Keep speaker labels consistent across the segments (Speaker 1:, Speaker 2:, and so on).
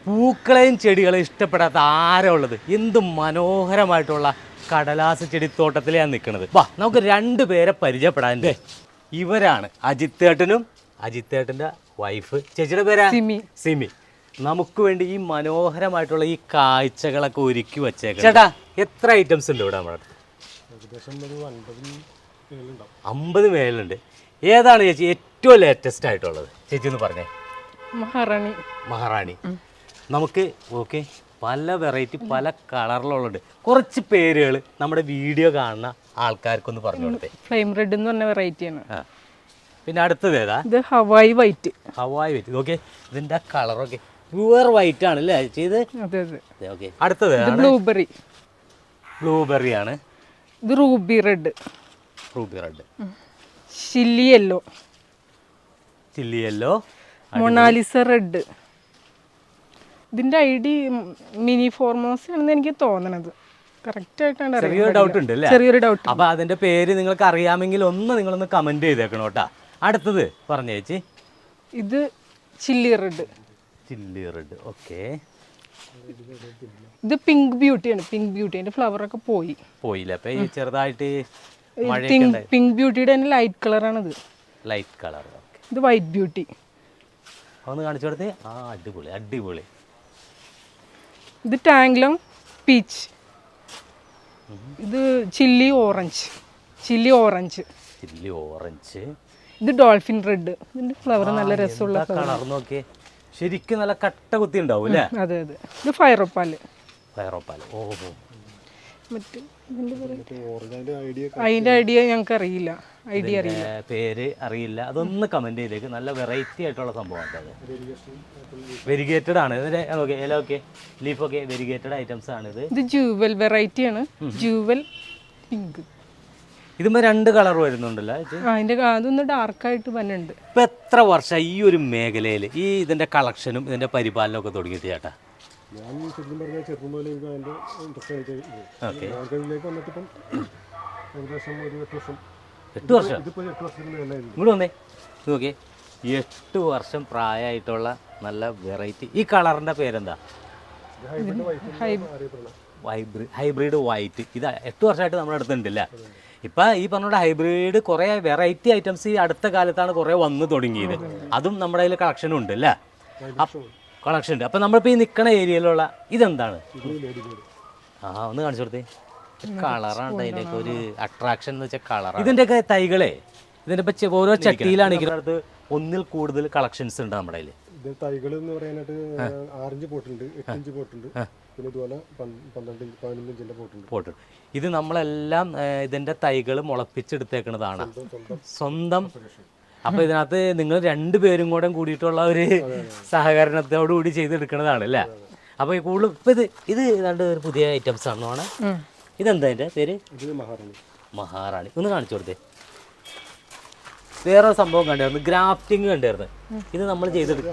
Speaker 1: പൂക്കളെയും ചെടികളെയും ഇഷ്ടപ്പെടാത്ത ആരാ ഉള്ളത്? എന്ത് മനോഹരമായിട്ടുള്ള കടലാസ് ചെടിത്തോട്ടത്തിലാണ് നിൽക്കുന്നത്. വാ നമുക്ക് 2 പേരെ പരിചയപ്പെടാൻ്റെ. ഇവരാണ് അജിത്തേട്ടനും അജിത്തേട്ടൻ്റെ വൈഫ്. ചേച്ചിയുടെ പേരാ സിമി. നമുക്ക് വേണ്ടി ഈ മനോഹരമായിട്ടുള്ള ഈ കാഴ്ചകളൊക്കെ ഒരുക്കി വച്ചേക്കാം. ചേട്ടാ എത്ര ഐറ്റംസ് ഉണ്ട് ഇവിടെ നമ്മുടെ? 50 മേലുണ്ട്. ഏതാണ് ചേച്ചി ഏറ്റവും ലേറ്റസ്റ്റ് ആയിട്ടുള്ളത്? ചേച്ചി ഒന്ന് പറഞ്ഞേ. മഹാറാണി. നമുക്ക് ഓക്കെ, പല വെറൈറ്റി പല കളറിലുള്ളത്. കുറച്ച് പേരുകൾ നമ്മുടെ വീഡിയോ കാണുന്ന ആൾക്കാർക്കൊന്ന് പറഞ്ഞു കൊടുത്തേ.
Speaker 2: ഫ്ലെയിം റെഡ് എന്ന് പറഞ്ഞ വെറൈറ്റിയാണ്.
Speaker 1: പിന്നെ അടുത്തത് ഏതാ?
Speaker 2: ഇത് ഹവായി വൈറ്റ്.
Speaker 1: ഓക്കെ, ഇതിന്റെ കളറൊക്കെ പ്യുവർ വൈറ്റ് ആണ് അല്ലേ ചെയ്ത്? ഓക്കെ. അടുത്തത് ബ്ലൂബെറി ആണ്.
Speaker 2: ഇത് ruby red. Chilli yellow. Mona Lisa red. ഇതിന്റെ ഐഡി മിനി ഫോർമോസ് ആണെന്ന് എനിക്ക് തോന്നണത്. കറക്റ്റ് ആയിട്ടാണ്.
Speaker 1: ചെറിയൊരു ഡൗട്ട് ഉണ്ട് അല്ലേ?
Speaker 2: ചെറിയൊരു ഡൗട്ട്.
Speaker 1: അപ്പൊ അതിന്റെ പേര് നിങ്ങൾക്ക് അറിയാമെങ്കിൽ നിങ്ങളൊന്ന് കമന്റ് ചെയ്തേക്കണം കേട്ടാ. അടുത്തത് പറഞ്ഞു ചേച്ചി.
Speaker 2: ഇത് ചില്ലി റെഡ്.
Speaker 1: ഓക്കെ.
Speaker 2: ഇത് പിങ്ക് ബ്യൂട്ടിയാണ്. പിങ്ക് ബ്യൂട്ടി അതിന്റെ ഫ്ലവർ ഒക്കെ പോയില്ല.
Speaker 1: അപ്പൊ ഈ ചെറുതായിട്ട്
Speaker 2: പിങ്ക് ബ്യൂട്ടിയുടെ തന്നെ ലൈറ്റ് കളറാണിത്.
Speaker 1: Light colour.
Speaker 2: ഇത് വൈറ്റ് ബ്യൂട്ടി.
Speaker 1: ഒന്ന് കാണിച്ചു കൊടുത്തേ. അടിപൊളി.
Speaker 2: ഇത് ടാങ്ലോങ് പീച്ച്. ഇത് ചില്ലി ഓറഞ്ച്. ഇത് ഡോൾഫിൻ റെഡ്. ഇതിന്റെ ഫ്ലവർ നല്ല രസമുള്ള
Speaker 1: കളർ. നോക്കിയേ, ശരിക്കും നല്ല കട്ട കുത്തി ഉണ്ടാവും അല്ലേ?
Speaker 2: അതെ. ഇത് ഫയറോപ്പാല്.
Speaker 1: ഓഹോ.
Speaker 2: അതിന്റെ ഐഡിയ ഞങ്ങൾക്ക് അറിയില്ല.
Speaker 1: പേര് അറിയില്ല. അതൊന്ന് കമന്റ് ചെയ്തേക്ക്. നല്ല വെറൈറ്റി ആയിട്ടുള്ള സംഭവമാണ്. വെരിഗേറ്റഡ് ആണ്. ലീഫ് ഒക്കെ വെരിഗേറ്റഡ് ഐറ്റംസ് ആണ്.
Speaker 2: ഇത് ജൂവൽ വെറൈറ്റി ആണ്. Jewel pink.
Speaker 1: ഇതുമ്പോ 2 കളർ വരുന്നുണ്ടല്ലോ.
Speaker 2: അതൊന്ന് ഡാർക്ക് ആയിട്ട് വന്നുണ്ട്.
Speaker 1: ഇപ്പൊ എത്ര വർഷം ഈ ഒരു മേഖലയിൽ ഈ ഇതിന്റെ കളക്ഷനും ഇതിന്റെ പരിപാലനവും ഒക്കെ തുടങ്ങിയിട്ട് ചേട്ടാ?
Speaker 3: ഞാൻ ശരിക്കും പറഞ്ഞാൽ ചെറുപ്പം പോലെ എനിക്ക് അതിൻ്റെ ഇൻട്രസ്റ്റ് ആയിട്ട് മാർക്കറ്റിലേക്ക് വന്നിട്ടിപ്പം ഏകദേശം ഒരു 8 വർഷം.
Speaker 1: ഇതിപ്പോൾ
Speaker 3: 8 വർഷത്തിന് മേലായിരുന്നു.
Speaker 1: ഇങ്ങോട്ട് വന്നേ. നോക്കിയേ, 8 വർഷം പ്രായമായിട്ടുള്ള നല്ല വെറൈറ്റി. ഈ കളറിന്റെ പേരെന്താ? Hybrid white. ഇത് 8 വർഷമായിട്ട് നമ്മുടെ അടുത്തുണ്ടല്ല. ഇപ്പം ഈ പറഞ്ഞ ഹൈബ്രിഡ് കുറേ വെറൈറ്റി ഐറ്റംസ് ഈ അടുത്ത കാലത്താണ് കുറേ വന്ന് തുടങ്ങിയത്. അതും നമ്മുടെ കയ്യിൽ കളക്ഷനും ഉണ്ട് അല്ലേ? കളക്ഷൻ ഉണ്ട്. അപ്പം നമ്മളിപ്പോൾ ഈ നിൽക്കുന്ന ഏരിയയിലുള്ള ഇതെന്താണ്? ഒന്ന് കാണിച്ചു കൊടുത്തേ. കളറാണ് അതിൻ്റെയൊക്കെ ഒരു അട്രാക്ഷൻ എന്ന് വെച്ചാൽ കളറാണ്. ഇതിൻ്റെയൊക്കെ തൈകളെ ഇതിൻ്റെ ഇപ്പം ഓരോ ചട്ടിയിലാണ് ഇരിക്കുന്നത്. ഒന്നിൽ കൂടുതൽ കളക്ഷൻസ് ഉണ്ട് നമ്മുടെ കയ്യിൽ.
Speaker 3: ഇത് തൈകൾ എന്ന് പറയാനായിട്ട് 6 ഇഞ്ച് പോട്ടുണ്ട്, 8 ഇഞ്ച് പോട്ടുണ്ട്, പിന്നെ ഇതുപോലെ 12 ഇഞ്ച് 15 ഇഞ്ചിൻ്റെ പോട്ടുണ്ട്.
Speaker 1: ഇത് നമ്മളെല്ലാം ഇതിൻ്റെ തൈകൾ മുളപ്പിച്ചെടുത്തേക്കുന്നതാണ് സ്വന്തം. അപ്പൊ ഇതിനകത്ത് നിങ്ങൾ 2 പേരും കൂടിയിട്ടുള്ള ഒരു സഹകരണത്തോടു കൂടി ചെയ്തെടുക്കുന്നതാണ് അല്ലേ? അപ്പൊ ഈ കൂടുതൽ ഇപ്പൊ ഇത് ഏതാണ്ട് ഒരു പുതിയ ഐറ്റംസ് ആണെന്നാണ്. ഇതെന്താ അതിന്റെ പേര്? മഹാറാണി. ഒന്ന് കാണിച്ചു കൊടുത്തേ. വേറെ സംഭവം കണ്ടായിരുന്നു, ഗ്രാഫ്റ്റിംഗ് കണ്ടായിരുന്നു. ഇത് നമ്മൾ ചെയ്തെടുക്കും.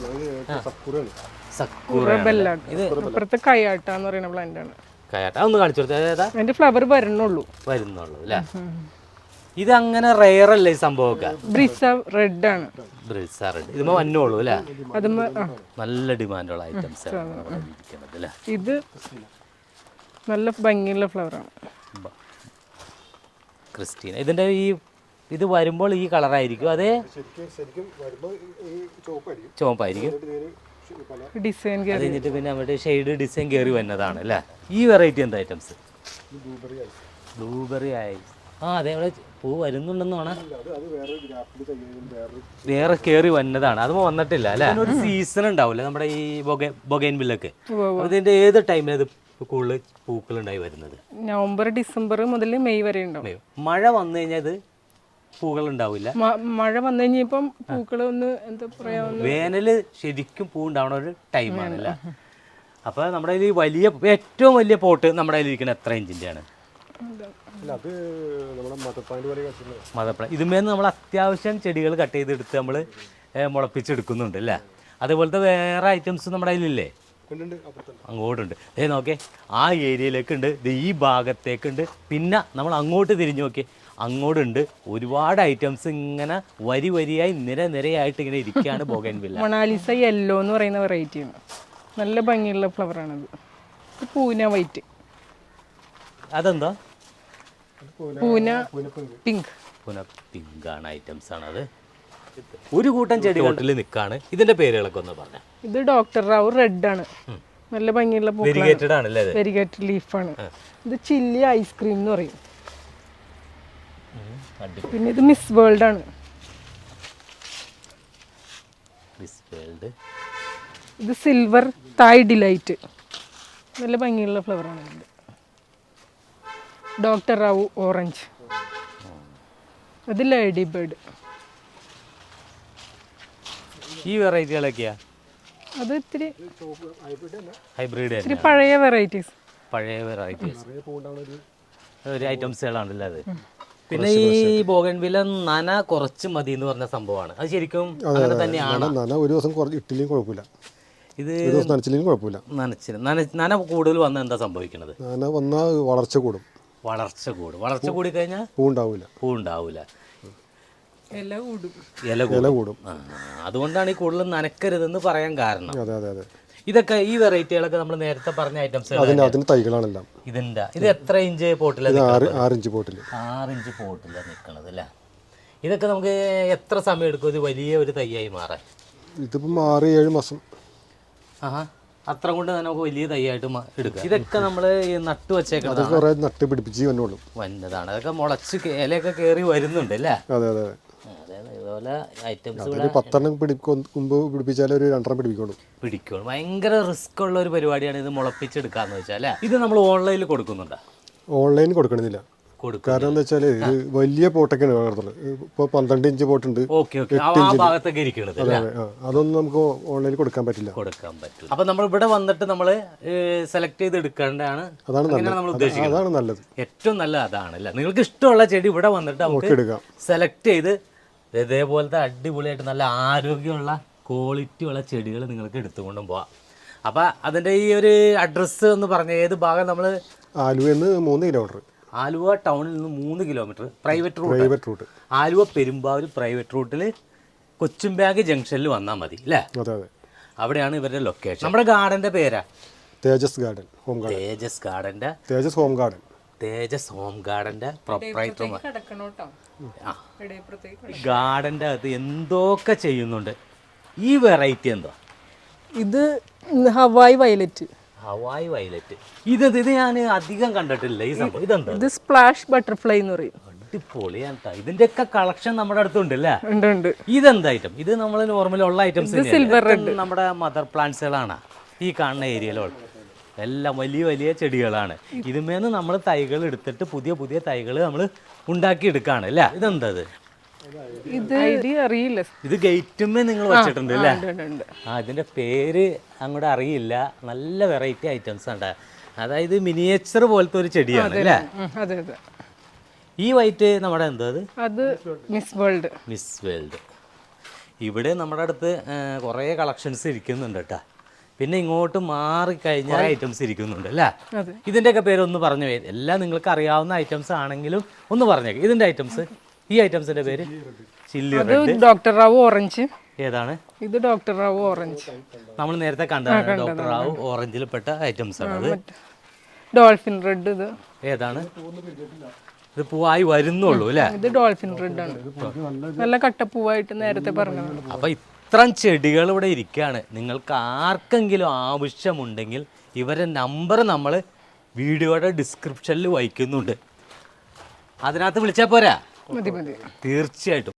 Speaker 1: കയാട്ട ഒന്ന് കാണിച്ചു കൊടുത്തേ.
Speaker 2: ഫ്ലവർ വരുന്നുള്ളൂ
Speaker 1: അല്ലേ? ഇത് അങ്ങനെ റെയർ അല്ലേ ഈ സംഭവമൊക്കെ?
Speaker 2: റെഡ് ആണ്.
Speaker 1: ഇതുമ്പോ വന്നോളൂ അല്ലേ? നല്ല ഡിമാൻഡുള്ള ഐറ്റംസ്.
Speaker 2: ഇത് നല്ല ഭംഗിയുള്ള ഫ്ലവർ ആണ്.
Speaker 1: ക്രിസ്റ്റീന. ഇതിന്റെ ഇത് വരുമ്പോൾ ഈ കളറായിരിക്കും? അതെ, ചുവപ്പായിരിക്കും.
Speaker 2: ഡിസൈൻ
Speaker 1: കഴിഞ്ഞിട്ട് പിന്നെ അവിടെ ഷെയ്ഡ് ഡിസൈൻ കയറി വന്നതാണ് അല്ലേ? ഈ വെറൈറ്റി എന്താ ഐറ്റംസ്? ബ്ലൂബെറി ആയി. അതെ, അവിടെ പൂ വരുന്നുണ്ടെന്നാണ്. വേറെ കയറി വന്നതാണ്. അത് വന്നിട്ടില്ല അല്ലേ? ഒരു സീസൺ ഉണ്ടാവില്ല നമ്മുടെ ഈ ബൊഗൈൻ വില്ലൊക്കെ. അതിന്റെ ഏത് ടൈമിൽ കൂടുതൽ പൂക്കൾ ഉണ്ടായി വരുന്നത്?
Speaker 2: നവംബർ ഡിസംബർ മുതൽ മെയ് വരെ ഉണ്ടാവും.
Speaker 1: മഴ വന്നു കഴിഞ്ഞാൽ ഇത് പൂക്കൾ ഉണ്ടാവില്ല.
Speaker 2: മഴ വന്നു കഴിഞ്ഞപ്പം പൂക്കൾ ഒന്ന് എന്താ പറയാ,
Speaker 1: വേനല് ശരിക്കും പൂ ഉണ്ടാവുന്ന ഒരു ടൈമാണല്ലേ? അപ്പൊ നമ്മുടെ വലിയ ഏറ്റവും വലിയ പോട്ട് നമ്മുടെ കയ്യിൽ ഇരിക്കുന്നത് എത്ര ഇഞ്ചിന്റെ ആണ്? മദപ്ലാന്റ്. ഇതുമേന്ന് നമ്മൾ അത്യാവശ്യം ചെടികൾ കട്ട് ചെയ്തെടുത്ത് നമ്മൾ മുളപ്പിച്ചെടുക്കുന്നുണ്ട് അല്ലേ? അതുപോലത്തെ വേറെ ഐറ്റംസ് നമ്മുടെ കയ്യിലില്ലേ? അങ്ങോട്ടുണ്ട്. നോക്കേ, ആ ഏരിയയിലേക്കുണ്ട്, ഈ ഭാഗത്തേക്കുണ്ട്, പിന്നെ നമ്മൾ അങ്ങോട്ട് തിരിഞ്ഞു നോക്കി അങ്ങോട്ടുണ്ട്. ഒരുപാട് ഐറ്റംസ് ഇങ്ങനെ വരിയായി നിരയായിട്ട് ഇങ്ങനെ ഇരിക്കുകയാണ് ബൊഗൈൻവില്ല.
Speaker 2: മൊണാലിസ യെല്ലോ എന്ന് പറയുന്ന വെറൈറ്റിയാണ്. നല്ല ഭംഗിയുള്ള ഫ്ലവറാണിത്. ഇത് പൂന വൈറ്റ്,
Speaker 1: അതെന്താ
Speaker 2: പൂന പിങ്ക്.
Speaker 1: പുന പിങ്കാണ് ഐറ്റംസ് ആണ് അത്. ഒരു കൂട്ടം ചെടികളിൽ നിൽക്കാണ്. ഇതിന്റെ പേരുകളൊക്കെ ഒന്ന് പറഞ്ഞ.
Speaker 2: ഇത് ഡോക്ടർ റാവു റെഡ് ആണ്, നല്ല ഭംഗിയുള്ള
Speaker 1: വെരിഗേറ്റഡ് ആണല്ലേ അത്?
Speaker 2: വെരിഗേറ്റഡ് ലീഫാണ്. ഇത് ചില്ലി ഐസ്ക്രീം എന്ന് പറയും. പിന്നെ ഇത് മിസ് വേൾഡ് ആണ്.
Speaker 1: Miss world.
Speaker 2: ഇത് സിൽവർ തായ് ഡിലൈറ്റ്, നല്ല ഭംഗിയുള്ള ഫ്ലവറാണ് ഇത്. ഡോക്ടർ റാവു ഓറഞ്ച്, അത് ലേഡി ബേർഡ്.
Speaker 1: ഈ വെറൈറ്റികളൊക്കെയാ?
Speaker 2: അത് ഇത്തിരി
Speaker 1: ഹൈബ്രിഡ്
Speaker 2: ഇത്തിരി പഴയ വെറൈറ്റീസ്,
Speaker 1: പഴയ വെറൈറ്റീസ് ഒരു ഐറ്റംസുകളാണല്ലേ അത്. പിന്നെ ഈ ബോഗൺവില്ല നന കുറച്ച് മതി എന്ന് പറഞ്ഞ സംഭവമാണ്. അത് ശരിക്കും അങ്ങനെ തന്നെയാണ്.
Speaker 3: ഒരു ദിവസം ഇട്ടില്ലെങ്കിൽ കുഴപ്പമില്ല,
Speaker 1: ഇത്
Speaker 3: നനച്ചില്ലെങ്കിൽ കുഴപ്പമില്ല.
Speaker 1: നന കൂടുതൽ വന്നാൽ എന്താ സംഭവിക്കുന്നത്?
Speaker 3: നന വന്നാൽ വളർച്ച കൂടും.
Speaker 1: വളർച്ച കൂടി കഴിഞ്ഞാൽ
Speaker 3: പൂ ഉണ്ടാവില്ല.
Speaker 1: ഇല കൂടും. അതുകൊണ്ടാണ് ഈ കൂടുതൽ നനക്കരുതെന്ന് പറയാൻ കാരണം.
Speaker 3: അതെ.
Speaker 1: ഇതൊക്കെ ഈ വെറൈറ്റികളൊക്കെ നമ്മൾ നേരത്തെ പറഞ്ഞ ഐറ്റംസ്
Speaker 3: അതിന്റെ തൈകളാണെല്ലാം.
Speaker 1: ഇത് എത്ര ഇഞ്ച് പോട്ടിലാണ്?
Speaker 3: 6 ഇഞ്ച് പോട്ടിൽ.
Speaker 1: 6 ഇഞ്ച് പോട്ടിലാണ് നിൽക്കണത് അല്ലേ? ഇതൊക്കെ നമുക്ക് എത്ര സമയം എടുക്കും ഇത് വലിയ ഒരു തൈയായി മാറാൻ?
Speaker 3: ഇതിപ്പം 6-7 മാസം.
Speaker 1: അത്ര കൊണ്ട് തന്നെ നമുക്ക് വലിയ തൈയായിട്ട് എടുക്കാം. ഇതൊക്കെ നമ്മൾ നട്ടു വെച്ചേക്കുന്നത്
Speaker 3: കുറെ നട്ട് പിടിപ്പിച്ച്
Speaker 1: വന്നതാണ്. അതൊക്കെ മുളച്ച് ഇലയൊക്കെ കയറി വരുന്നുണ്ട് അല്ലേ?
Speaker 3: അതെ.
Speaker 1: ഇതുപോലെ ഐറ്റംസ്
Speaker 3: 10 മുമ്പ് പിടിപ്പിച്ചാൽ ഒരു 2 പിടിക്കുള്ളൂ.
Speaker 1: ഭയങ്കര റിസ്ക് ഉള്ള ഒരു പരിപാടിയാണ് ഇത് മുളപ്പിച്ചെടുക്കാന്ന് വെച്ചാൽ. ഇത് നമ്മൾ ഓൺലൈനിൽ കൊടുക്കുന്നുണ്ടോ?
Speaker 3: ഓൺലൈൻ കൊടുക്കണമെന്നില്ല. കാരണം എന്താ വെച്ചാൽ ഇത് വലിയ പോട്ടൊക്കെയാണ് വളർത്തുന്നത്. ഇപ്പോൾ 12 ഇഞ്ച് പോട്ടുണ്ട്. അതൊന്നും നമുക്ക് ഓൺലൈനിൽ കൊടുക്കാൻ പറ്റില്ല.
Speaker 1: അപ്പൊ നമ്മൾ ഇവിടെ വന്നിട്ട് നമ്മൾ സെലക്ട് ചെയ്ത് എടുക്കേണ്ടതാണ്.
Speaker 3: അതാണ് നല്ലത്.
Speaker 1: ഏറ്റവും നല്ലത് അതാണ് അല്ലേ? നിങ്ങൾക്ക് ഇഷ്ടമുള്ള ചെടി ഇവിടെ വന്നിട്ട് നമുക്ക്
Speaker 3: എടുക്കാം.
Speaker 1: സെലക്ട് ചെയ്ത് ഇതേപോലത്തെ അടിപൊളിയായിട്ട് നല്ല ആരോഗ്യമുള്ള ക്വാളിറ്റി ഉള്ള ചെടികൾ നിങ്ങൾക്ക് എടുത്തുകൊണ്ടും പോവാം. അപ്പം അതിൻ്റെ ഈ ഒരു അഡ്രസ്സ് എന്ന് പറഞ്ഞ ഏത് ഭാഗം? നമ്മൾ
Speaker 3: ആലുവയിൽ നിന്ന് 3 കിലോമീറ്റർ.
Speaker 1: ആലുവ ടൗണിൽ നിന്ന് 3 kilometre private route. Aluva Perumbavoor private റൂട്ടിൽ കൊച്ചുംബാഗ് ജംഗ്ഷനിൽ വന്നാൽ മതി അല്ലേ? അവിടെയാണ് ഇവരുടെ ലൊക്കേഷൻ. നമ്മുടെ ഗാർഡന്റെ പേരാ
Speaker 3: Tejas garden home garden.
Speaker 1: Tejas home ഗാർഡന്റെ പ്രൊപ്പറേറ്റർ. ഗാർഡന്റെ അകത്ത് എന്തൊക്കെ ചെയ്യുന്നുണ്ട്. ഈ വെറൈറ്റി എന്താ?
Speaker 2: ഇത് ഹവായ് വയലറ്റ്.
Speaker 1: ഇത് ഞാൻ അധികം കണ്ടിട്ടില്ല ഈ സംഭവം. ഇതെന്താ?
Speaker 2: ഇത് സ്പ്ലാഷ് ബട്ടർഫ്ലൈ എന്ന് പറയും.
Speaker 1: അടിപൊളിയാണ്. ഇതിന്റെ ഒക്കെ കളക്ഷൻ നമ്മുടെ അടുത്തുണ്ട് അല്ലേ?
Speaker 2: ഉണ്ട്.
Speaker 1: ഇതെന്താ ഐറ്റം? ഇത് നമ്മൾ നോർമലി ഉള്ള ഐറ്റംസ്
Speaker 2: സിൽവർ റെഡ്,
Speaker 1: നമ്മുടെ മദർ പ്ലാന്റ്സുകളാണ് ഈ കാണുന്ന ഏരിയയിലുള്ള. എല്ലാം വലിയ ചെടികളാണ്. ഇതിന്മേന്ന് നമ്മൾ തൈകൾ എടുത്തിട്ട് പുതിയ തൈകൾ നമ്മൾ ഉണ്ടാക്കിയെടുക്കാണ് അല്ലേ? ഇതെന്താ?
Speaker 2: ഇത് അറിയില്ല.
Speaker 1: ഇത് ഗേറ്റുമേ നിങ്ങൾ വെച്ചിട്ടുണ്ട് അല്ലേ? ഇതിന്റെ പേര് അങ്ങോട്ട് അറിയില്ല. നല്ല വെറൈറ്റി ഐറ്റംസ് ഉണ്ട്. അതായത് മിനിയേച്ചർ പോലത്തെ ഒരു ചെടിയാണ് അല്ലേ? ഈ വൈറ്റ് നമ്മുടെ എന്താ?
Speaker 2: അത് മിസ് വേൾഡ്.
Speaker 1: ഇവിടെ നമ്മുടെ അടുത്ത് കുറേ കളക്ഷൻസ് ഇരിക്കുന്നുണ്ട് കേട്ടോ. പിന്നെ ഇങ്ങോട്ട് മാറിക്കഴിഞ്ഞാൽ ഐറ്റംസ് ഇരിക്കുന്നുണ്ട് അല്ലേ? ഇതിൻ്റെയൊക്കെ പേരൊന്ന് പറഞ്ഞു. എല്ലാം നിങ്ങൾക്ക് അറിയാവുന്ന ഐറ്റംസ് ആണെങ്കിലും ഒന്ന് പറഞ്ഞേക്ക്. ഇതിൻ്റെ ഐറ്റംസ്, ഈ ഐറ്റംസിന്റെ പേര്? Chilli red,
Speaker 2: doctor Rao orange.
Speaker 1: ഏതാണ് ഇത്?
Speaker 2: Doctor Rao orange.
Speaker 1: നമ്മൾ നേരത്തെ കണ്ടതാണ് ഡോക്ടർ റാവു ഓറഞ്ചിൽ പെട്ട ഐറ്റംസ് ആണ് അത്.
Speaker 2: Dolphin red. ഇത്
Speaker 1: ഏതാണ്? ഇത് പൂവായി വരുന്നുള്ളൂ അല്ലേ?
Speaker 2: ഇത് ഡോൾഫിൻ റെഡ് ആണ്. നല്ല കട്ടപ്പൂവായിട്ട് നേരത്തെ പറഞ്ഞത്.
Speaker 1: അപ്പൊ ഇത്രയും ചെടികൾ ഇവിടെ ഇരിക്കുകയാണ്. നിങ്ങൾക്ക് ആർക്കെങ്കിലും ആവശ്യമുണ്ടെങ്കിൽ ഇവരുടെ നമ്പർ നമ്മൾ വീഡിയോയുടെ ഡിസ്ക്രിപ്ഷനിൽ വയ്ക്കുന്നുണ്ട്. അതിനകത്ത് വിളിച്ചാൽ പോരാ?
Speaker 2: മതി.
Speaker 1: തീർച്ചയായിട്ടും.